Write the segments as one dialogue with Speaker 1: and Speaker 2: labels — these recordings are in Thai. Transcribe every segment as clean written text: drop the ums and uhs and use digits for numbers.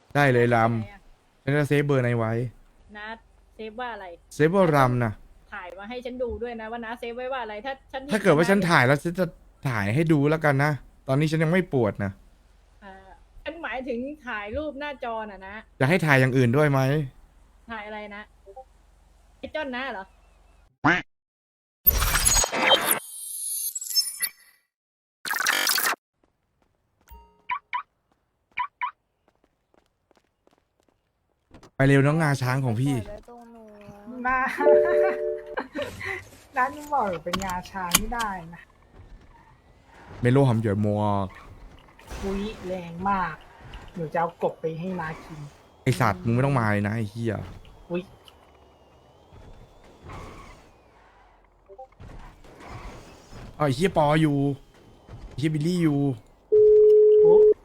Speaker 1: ได้เลยล
Speaker 2: ไปไหนอะ
Speaker 1: ำฉันจะเซฟเบอร์ในไว้
Speaker 2: น้าเซฟว่าอะไร
Speaker 1: เซฟว่ารำนะ
Speaker 2: ถ่ายมาให้ฉันดูด้วยนะว่าน้าเซฟไว้ว่าอะไรถ้าฉันห็น
Speaker 1: ถ้าเกิดว่าฉัน
Speaker 2: น้
Speaker 1: ถ่ายแล้วฉันจะถ่ายให้ดูแล้วกันนะ ตอนนี้ฉันยังไม่ปวดนะ
Speaker 2: อ่าฉันหมายถึงถ่ายรูปหน้าจอน่ะนะ
Speaker 1: จะให้ถ่ายอย่างอื่นด้วยไหม
Speaker 2: ถ่ายอะไรนะไอ้จ้อนน้าเหรอ
Speaker 1: ไปเร็วน้องงาช้างของพี่
Speaker 3: น้า น้านี่บอกเป็นงาช้างไม่ได้นะ
Speaker 1: เมโลหอมหยวยมัว
Speaker 3: อุ้ยแรงมาก หนูจะเอากบไปให้น้ากิน
Speaker 1: ไอสัตว์มึงไม่ต้องมาเลยนะไอเฮีย
Speaker 3: อุ้ย
Speaker 1: เอาไอเฮียปออยู่ไอเฮียบิลลี่อยู่
Speaker 3: โอ้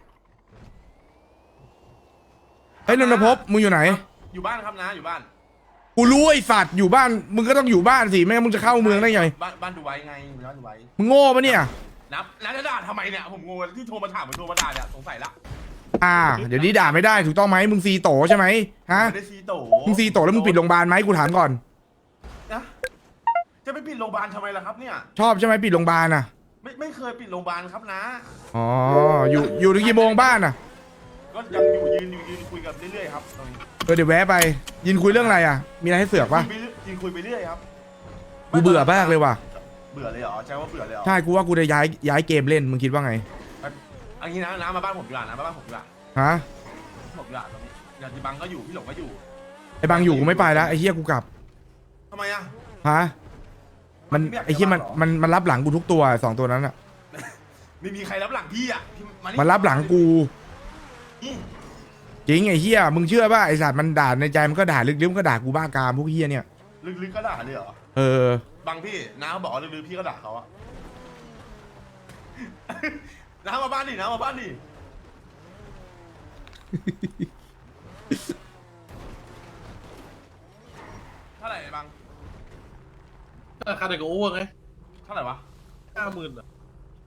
Speaker 1: เฮ้ยนนทภพมึงอยู่ไหน
Speaker 4: อยู่บ้านครับนะอยู่บ้าน
Speaker 1: กูรู้ไอสัตว์อยู่บ้าน มึงก็ต้องอยู่บ้านสิไม่งั้นมึงจะเข้าเมืองได้ไง
Speaker 4: บ้านดูไว้ไงบ้านดูไว้
Speaker 1: มึงโง่ปะเนี่ย
Speaker 4: นับจะด่าทำไมเนี่ยผมงงที่โทรมาถามผมโทรมาด่าเนี่ยสงสัยละ
Speaker 1: เดี๋ยวนี้ด่าไม่ได้ถูกต้องไหมมึงซีโตใช่ไหมฮะ
Speaker 4: ไม่ได้ซีโต
Speaker 1: มึงซีโตแล้วมึงปิดโรงพยาบาลไหมกูถามก่อน
Speaker 4: นะจะไปปิดโรงพยาบาลทำไมล่ะครับเนี่ย
Speaker 1: ชอบใช่ไหมปิดโรงพยาบาลอ่ะ
Speaker 4: ไม่เคยปิดโรงพยาบาลครับนะ
Speaker 1: อ๋อ อยู่ถึงกี่โมงบ้านอ่ะ
Speaker 4: ก็ยังอยู่ยืนคุยกันเรื่อยๆครับตรงนี้
Speaker 1: เดี๋ยวแวะไป ยินคุยเรื่องอะไรอ่ะ มีอะไรให้เสือกปะ
Speaker 4: คุยไปเรื่อยครับ
Speaker 1: กูเบื่อมากเลยว่ะ
Speaker 4: เบื่อเลยเหรอใช่ว่าเบื่อเลยเหรอ
Speaker 1: ใช่ กูว่ากูจะย้ายเกมเล่น มึงคิดว่าไง
Speaker 4: อันนี้นะมาบ้านผมดีกว่านะมาบ้านผมดีกว่า
Speaker 1: ฮะ
Speaker 4: ผมดีกว่าตรงนี้อย่างที่บังก็อยู่พี่หลงก็อยู่
Speaker 1: ไอ้บางอยู่กูไม่ไปแล้วไอ้เฮียกูกลับ
Speaker 4: ทำไมอะ
Speaker 1: ฮะ มัน
Speaker 4: ไม่อยาก
Speaker 1: ไอ้เฮีย
Speaker 4: จะว่าหรอ
Speaker 1: มันรับหลังกูทุกตัวสองตัวนั้นอ่ะ
Speaker 4: ไม่มีใครรับหลังพี่อะพี่า
Speaker 1: มันรับหลังกู
Speaker 4: นี่
Speaker 1: จริงไอ้เฮียมึงเชื่อป่ะไอ้สัตว์มันด่าในใจมันก็ด่าลึกๆมันก็ด่ากูบ้ากามพวกเฮียเนี่ย
Speaker 4: ลึกๆก็ด่าเลยเหรอ
Speaker 1: เออ
Speaker 4: บางพี่น้าบอกว่าลือๆพี่ก็ด่าเขาอะ น้ามาบ้านดิน้ามาบ้านดิ เท่าไหร่บาง
Speaker 5: ราคาเด็กก็อ้วกไง
Speaker 4: เท่าไหร่วะ
Speaker 5: 50,000อ่ะ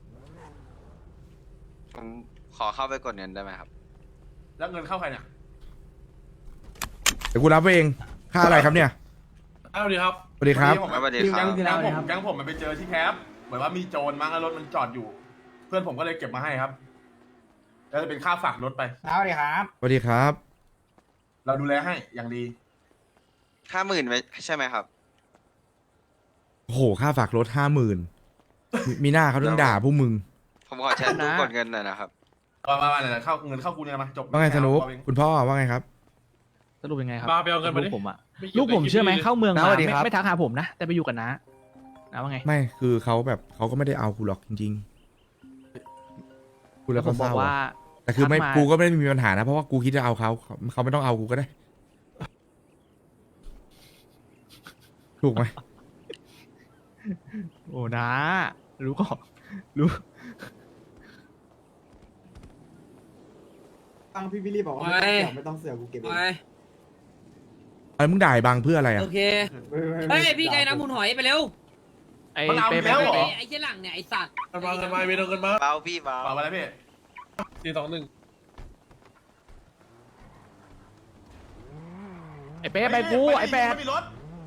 Speaker 6: ผมขอเข้าไปกดเงินได้ไหมครับ
Speaker 4: แล้วเงินเข้าใครเนี่ย
Speaker 1: เดี๋ยวกูรับไปเอง ค่าอะไรครับเนี่ย
Speaker 5: เอาดีครับ
Speaker 1: สวัสดีครับ
Speaker 6: สวัสดีครับ
Speaker 4: แก๊งผมมันไปเจอที่แคปเหมือนว่ามีโจรมั้งแล้วรถมันจอดอยู่ เพื่อนผมก็เลยเก็บมาให้ครับแล้วจะเป็นค่าฝากรถไป
Speaker 3: น้าสวัสดีครับ
Speaker 1: สวัสดีครับ
Speaker 4: เราดูแลให้อย่างดี
Speaker 6: 50,000ไว้ใช่ไหมครับ
Speaker 1: โอ้โห ค่าฝากรถ50,000มีหน้าเขาต้องด่าพวกมึง
Speaker 6: ผมขอแชร์ตู้กดเงินหน่อยนะครับ
Speaker 4: มาเนี่ยเข้าเงินเข้ากูเนี่ยมาจบ
Speaker 1: ว่าไงสนุกคุณพ่อว่าไงครับ
Speaker 7: สรุปยังไงครับ
Speaker 5: มาไปเอาเงินมาดิ
Speaker 7: ลูกผมอะ
Speaker 5: ไม่เกี่ยว
Speaker 7: ลูกผม
Speaker 5: กับ
Speaker 7: เชื่อไหม
Speaker 5: คลิปนี้
Speaker 7: เข้าเมือง
Speaker 1: น้า
Speaker 7: มา
Speaker 1: สวัสดีครับ
Speaker 7: ไม่ทักหาผมนะ แต่ไปอยู่กับน้านะว่าไง
Speaker 1: ไม่คือเขาแบบเขาก็ไม่ได้เอากูหรอกจริงๆกูแล้ว
Speaker 7: ผ
Speaker 1: ก็
Speaker 7: ม
Speaker 1: เศ
Speaker 7: บอก
Speaker 1: ร้า
Speaker 7: ว่า
Speaker 1: อะแต่คือไม่
Speaker 7: ทักมา
Speaker 1: กูก็ไม่ได้มีปัญหานะเพราะว่ากูคิดจะเอาเขาไม่ต้องเอากูก็ได้ ถูกไหม
Speaker 7: โอ้นะรู้ก่อนรู้
Speaker 8: ฟังพี่วิลลี่บอกว่า
Speaker 9: ไม่
Speaker 8: ไม่ต้องเสือกกูเก็บเอง
Speaker 9: ไป
Speaker 1: อะไรมึงด่าไอ้บางเพื่ออะไรอ่ะ
Speaker 9: โอเค
Speaker 8: ไม่
Speaker 9: เฮ้ย พี่ไก่น้ำหมุนหอยไปเร็ว
Speaker 7: ไอ้
Speaker 4: มันเอา
Speaker 7: เป๊ะ
Speaker 4: แล้วเหรอ
Speaker 9: ไอ้เจ้าหลังเนี่ย ไอ้สัตว์
Speaker 5: กันมากันมาเวรเอาเงินมา
Speaker 6: เบาพี่เบา
Speaker 4: เปล่าไปแล้วพี่
Speaker 5: 421
Speaker 7: ไอ้เป๊ะไปกูไอ้แปด
Speaker 4: ม่มีรถ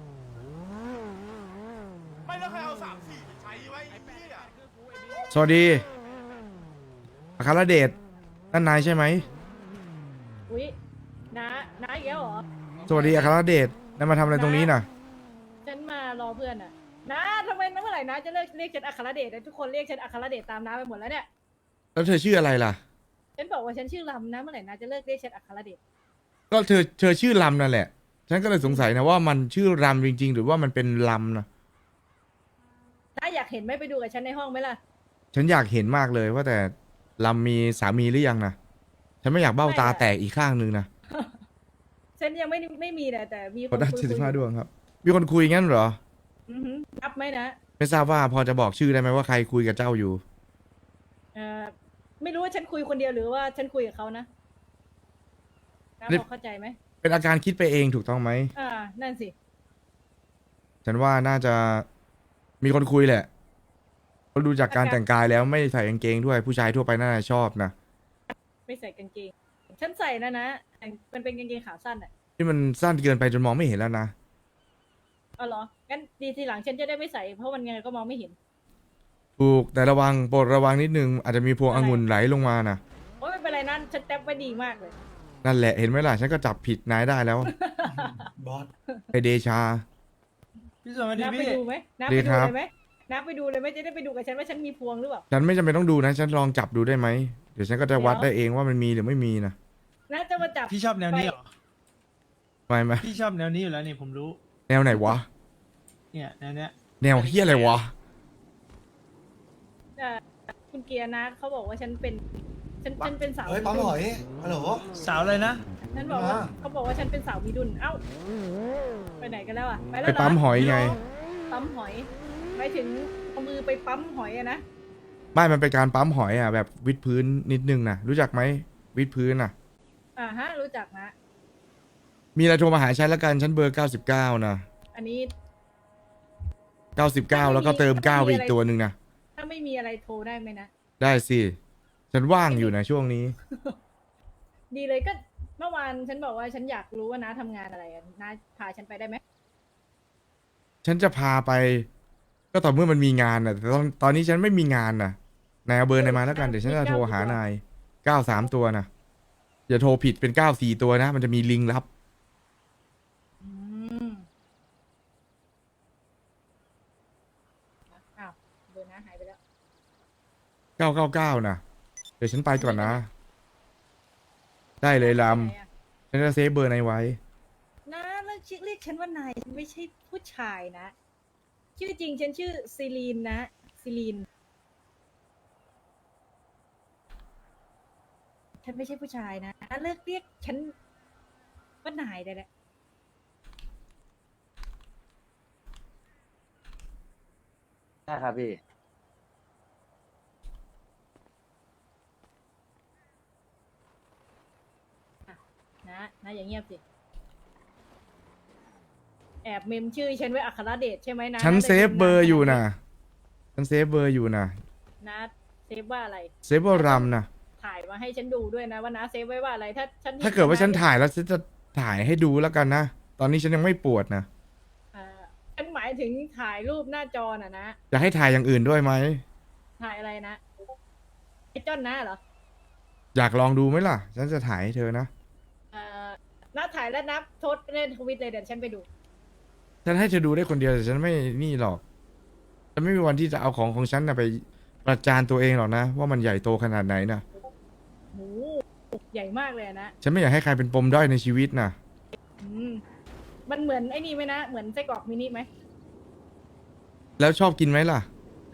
Speaker 4: ไม่แล้วใครเอา3-4ไปใช้ไว้ไอ้พี่อะ
Speaker 1: สวัสดีอัครเดชนั่นนายใช่ไหม
Speaker 2: อุ๊ยน้าอีกแล้วเหรอ
Speaker 1: สวัสดีอัครเดชนายมาทำอะไรตรงนี้น่ะ
Speaker 2: ฉันมารอเพื่อนอะน้าทำไมเมื่อไหร่น้าจะเลิกเรียกฉันอัครเดชทุกคนเรียกฉันอัครเดชตามน้าไปหมดแล้วเนี่ย
Speaker 1: แล้วเธอชื่ออะไรล่ะ
Speaker 2: ฉันบอกว่าฉันชื่อลำนะเมื่อไหร่น้าจะเลิกเรียกฉันอัครเดช
Speaker 1: ก็เธอชื่อลำนั่นแหละ ฉันก็เลยสงสัยนะว่ามันชื่อลำจริง ๆ หรือว่ามันเป็นลำนะ
Speaker 2: น้าอยากเห็นไหมไปดูกับฉันในห้องไหมล่ะ
Speaker 1: ฉันอยากเห็นมากเลยว่าแต่ลำมีสามีหรือยังนะฉันไม่อยากเบ้าตาแตกอีกข้างนึงนะ
Speaker 2: ฉันยังไม่มีแต่มีค
Speaker 1: ขอน ได้
Speaker 2: คุย
Speaker 1: 75ดวงครับ มีคนคุยงั้นเหรอ
Speaker 2: อือหือนับไหมนะ
Speaker 1: ไม่ทราบว่าพอจะบอกชื่อได้ไหมว่าใครคุยกับเจ้าอยู่
Speaker 2: ไม่รู้ว่าฉันคุยคนเดียวหรือว่าฉันคุยกับเขานะน้า
Speaker 1: นี่
Speaker 2: พอเข้าใจไหม
Speaker 1: เป็นอาการคิดไปเองถูกต้องไหม
Speaker 2: นั่นสิ
Speaker 1: ฉันว่าน่าจะมีคนคุยแหละเพราะดูจากการแต่งกายแล้วไม่ใส่กางเกงด้วยผู้ชายทั่วไปน่าจะชอบนะ
Speaker 2: ไม่ใส่กางเกงฉันใส่นะมันเป็นกางเกงขาสั้นอ่ะ
Speaker 1: ที่มันสั้นเกินไปจนมองไม่เห็นแล้วนะ
Speaker 2: เอาเหรองั้นดีทีหลังฉันจะได้ไม่ใส่เพราะมันยังไงก็มองไม่เห็น
Speaker 1: ถูกแต่ระวังโปรดระวังนิดนึงอาจจะมีพวงองุ่นไหลลงมานะ
Speaker 2: โอ้ยไม่เป็นไรนั่นฉันแท็บไว้ดีมากเลย
Speaker 1: นั่นแหละเห็นไหมล่ะฉันก็จับผิดนายได้แล้ว
Speaker 8: บอส
Speaker 1: ไอเดชา
Speaker 8: พี่สวัสดี
Speaker 2: นับไป
Speaker 8: พี่
Speaker 2: ดูไหมนับ
Speaker 1: ดี
Speaker 2: ไป
Speaker 1: ค
Speaker 2: ดู
Speaker 1: รับ
Speaker 2: เลยไหมนับไปดูเลยไหมจะได้ไปดูกับฉันว่าฉันมีพวงหรือเปล่า
Speaker 1: ฉันไม่จำเป็นต้องดูนะฉันลองจับดูได้ไหมเดี๋ยวฉันก็จะวัด
Speaker 2: เดี๋
Speaker 1: ได้
Speaker 2: ยว
Speaker 1: เองว่ามันมีหรือไม่มีนะ
Speaker 2: น่าจะมาจับ
Speaker 8: พี่ชอบแนวนี้เหรอ
Speaker 1: ไม่
Speaker 8: พี่ชอบแนวนี้อยู่แล้วนี่ผมรู้
Speaker 1: แนวไหนวะ
Speaker 8: เนี่ยแนวเนี้ย
Speaker 1: แนวเฮียอะไรวะ
Speaker 2: คุณเกียร์นะเขาบอกว่าฉันเป็นเป็นสาว
Speaker 8: เฮ้ยปั๊มหอยฮัลโหลสาวเลยนะ
Speaker 2: ฉันบอกว่าเขาบอกว่าฉันเป็นสาวมีดุลเอ้าไปไหนกันแล้วอ่ะไปแล้ว
Speaker 1: ไป
Speaker 2: เหรอ
Speaker 1: ปั๊มหอยไง
Speaker 2: ปั๊มหอยไปถึงเอามือไปปั๊มหอยอะนะ
Speaker 1: ไม่มันเป็นการปั๊มหอยอ่ะแบบวิดพื้นนิดนึงนะรู้จักไหมวิดพื้นอ่ะ
Speaker 2: ฮะรู้จักนะ
Speaker 1: มีอะไรโทรมาหาฉันละกันฉันเบอร์99นะ
Speaker 2: อันนี้
Speaker 1: 99แล้วก็เติม9ไปอีกตัวหนึ่งนะ
Speaker 2: ถ้าไม่มีอะไรโทรได้ไหมนะ
Speaker 1: ได้สิฉันว่างอยู่นะช่วงนี้
Speaker 2: ดีเลยก็เมื่อวานฉันบอกว่าฉันอยากรู้ว่าน้าทำงานอะไรอะน้าพาฉันไปได้ไหม
Speaker 1: ฉันจะพาไป ก็ต่อเมื่อมันมีงานน่ะแต่ตอนนี้ฉันไม่มีงานน่ะนายเอาเบอร์นายมาแล้วกันเดี๋ยวฉันจะโทรหานาย93ตัวนะอย่าโทรผิดเป็น94ตัวนะมันจะมีลิงก์ลับ
Speaker 2: อืมอ้าวเบอร์น้าหายไปแล้ว
Speaker 1: 999นะเดี๋ยวฉันไปก่อนนะ ได้เลยล
Speaker 2: ไหนอะ
Speaker 1: ำฉันจะเซฟเบอร์นายไว้
Speaker 2: น้าเรียกฉันว่านายฉันไม่ใช่ผู้ชายนะ ชื่อจริงฉันชื่อซีลีนนะซีลีนฉันไม่ใช่ผู้ชายนะน้าเลิกเรียกฉันว่านายได้แล้ว
Speaker 8: ได้ครับพี่
Speaker 2: นะอย่างเงียบสิ แอบเมมชื่อฉันไว้อัครเดชใช่ไหมนะ
Speaker 1: ฉัน
Speaker 2: น่าจะ
Speaker 1: เซฟเบอร์อยู่นะฉันเซฟเบอร์อยู่นะ
Speaker 2: นะเซฟว่าอะไร
Speaker 1: เซฟเบอร์รัมนะ
Speaker 2: ถ่ายมาให้ฉันดูด้วยนะว่านะเซฟไว้ว่าอะไรถ้าฉัน
Speaker 1: ถ้าเกิดว่าฉันถ่ายแล้วฉันจะถ่ายให้ดูแล้วกันนะตอนนี้ฉันยังไม่ปวดนะ
Speaker 2: ฉันหมายถึงถ่ายรูปหน้าจอน่ะนะ
Speaker 1: จะให้ถ่ายอย่างอื่นด้วยไหม
Speaker 2: ถ่ายอะไรนะไอ้จ้อนนะเหรอ
Speaker 1: อยากลองดูไหมล่ะ ฉันจะถ่ายให้เธอนะ
Speaker 2: นับถ่ายแล้วนับโทษเล่นทวิตเลยเดี๋ยวฉันไปดู
Speaker 1: ฉันให้เธอดูได้คนเดียวแต่ฉันไม่นี่หรอกฉันไม่มีวันที่จะเอาของฉันนะไปประจานตัวเองหรอกนะว่ามันใหญ่โตขนาดไหนนะ
Speaker 2: โหใหญ่มากเลยอะนะ
Speaker 1: ฉันไม่อยากให้ใครเป็นปมด้อยในชีวิตนะ
Speaker 2: อืมมันเหมือนไอ้นี่ไหมนะ เหมือนไส้กรอกมินิไหม
Speaker 1: แล้วชอบกินไหมล่ะ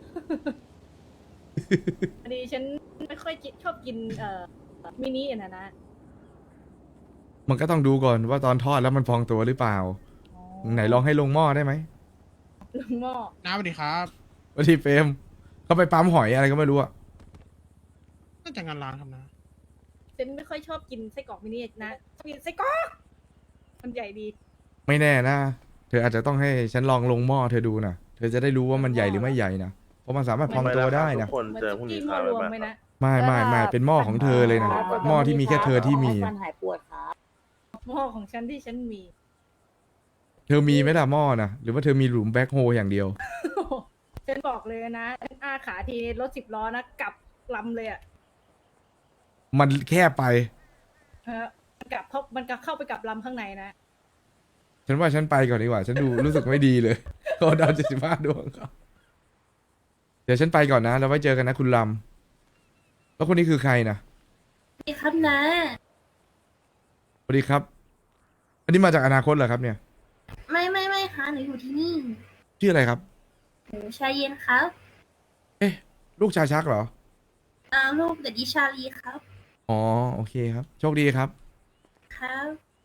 Speaker 2: พอดีฉันไม่ค่อยชอบกินมินิอะนะ
Speaker 1: มันก็ต้องดูก่อนว่าตอนทอดแล้วมันพองตัวหรือเปล่า ไหนลองให้ลงหม้อได้ไหม
Speaker 2: ลงหม้อ
Speaker 7: น้าสวัสดีครับ
Speaker 1: วันที่เฟรมเขาไปปั๊มหอยอะไรก็ไม่รู้อะ
Speaker 7: น่าจะงานร้านครับนะ
Speaker 2: ฉันไม่ค่อยชอบกินไส้กรอกมินินะชอบกินไส้กรอกมันใหญ่ดี
Speaker 1: ไม่แน่นะ เธออาจจะต้องให้ฉันลองลงหม้อเธอดูนะเธอจะได้รู้ว่ามันใหญ่หรือไม่ใหญ่นะเพราะมันสามารถพองตัวได้นะ
Speaker 2: เหมือนซุกี้หม้อรวมไหมนะ
Speaker 1: ไม่เป็นหม้อของเธอเลยนะหม้อที่มีแค่เธอที่มี
Speaker 2: หม้อของฉันที่ฉันมี
Speaker 1: เธอมีไหมล่ะหม้อนะหรือว่าเธอมีหลุมแบ็คโฮอย่างเดียว
Speaker 2: ฉันบอกเลยนะฉันอ้าขาทีรถ10 ล้อนะกลับลำเลยอ่ะ
Speaker 1: มันแคบไป
Speaker 2: มันกลับเข้าไปกลับลำข้างในนะ
Speaker 1: ฉันว่าฉันไปก่อนดีกว่า ฉันดู รู้สึกไม่ดีเลยเขาดาว75 ดวงครับเดี๋ยวฉันไปก่อนนะแล้วไว้เจอกันนะคุณลำแล้วคนนี้คือใครนะ
Speaker 10: สวัสดีครับนะ
Speaker 1: สวัสดีครับ อันนี้มาจากอนาคตเหรอครับเนี่ย
Speaker 10: ไม่ค่ะหนูอยู่ที่นี่
Speaker 1: ชื่ออะไรครับ
Speaker 10: หนูชาเย็นครับ
Speaker 1: เอ๊ะลูกชาชักเหรอ
Speaker 10: ลูกเด็กดิชาลีครับ
Speaker 1: อ๋อโอเคครับ โชคดีครับ
Speaker 10: ครับ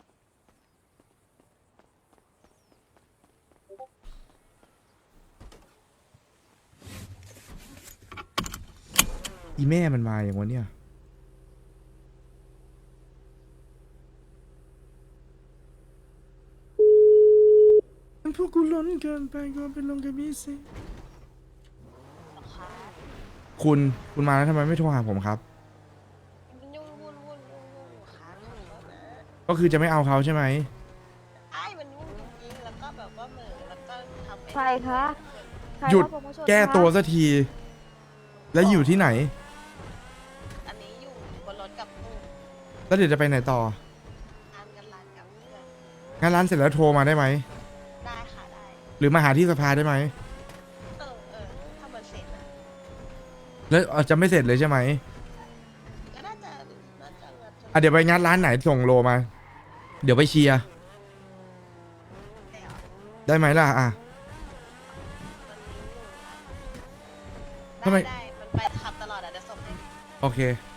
Speaker 1: อีแม่มันมาอย่างวันเนี้ยมันพวกกูล้นเกินไปก็เป็นลงกับพี่สิคุณมาแล้วทำไมไม่โทรหาผมครับก็คือจะไม่เอาเขาใช่ไหม
Speaker 11: ไอ้มันยุ่งจริงๆแล้วก็แบบว่าเหม่อแล้วก็ทำ
Speaker 10: ใครคะใคร
Speaker 1: หยุด
Speaker 10: รับผมมาชน
Speaker 1: แก้
Speaker 10: คะ
Speaker 1: ตัวสักที แล้วอยู่ที่ไหน
Speaker 11: อันนี้อยู่บนรถกับลูก
Speaker 1: แล้วเดี๋ยวจะไปไหนต่อ
Speaker 11: ทานกันร้านกับเพื่อน
Speaker 1: งานร้านเสร็จแล้วโทรมาได้ไหม
Speaker 11: ได้ค่ะได้
Speaker 1: หรือมาหาที่สภาได้ไหม
Speaker 11: ถ้ามันเสร็จนะ
Speaker 1: แล้วจะไม่เสร็จเลยใช่ไหม
Speaker 11: ก็น่าจะงัด
Speaker 1: อ่ะเดี๋ยวไปงานร้านไหนส่งโลมา เดี๋ยวไปเชียร์
Speaker 11: แล้ว
Speaker 1: ได้ไหมล่ะอ่ะ
Speaker 11: มันมีหนู
Speaker 1: ทำไม
Speaker 11: ได้มันไปขับตลอดอะเดี๋ยวส่งให้
Speaker 1: โอเค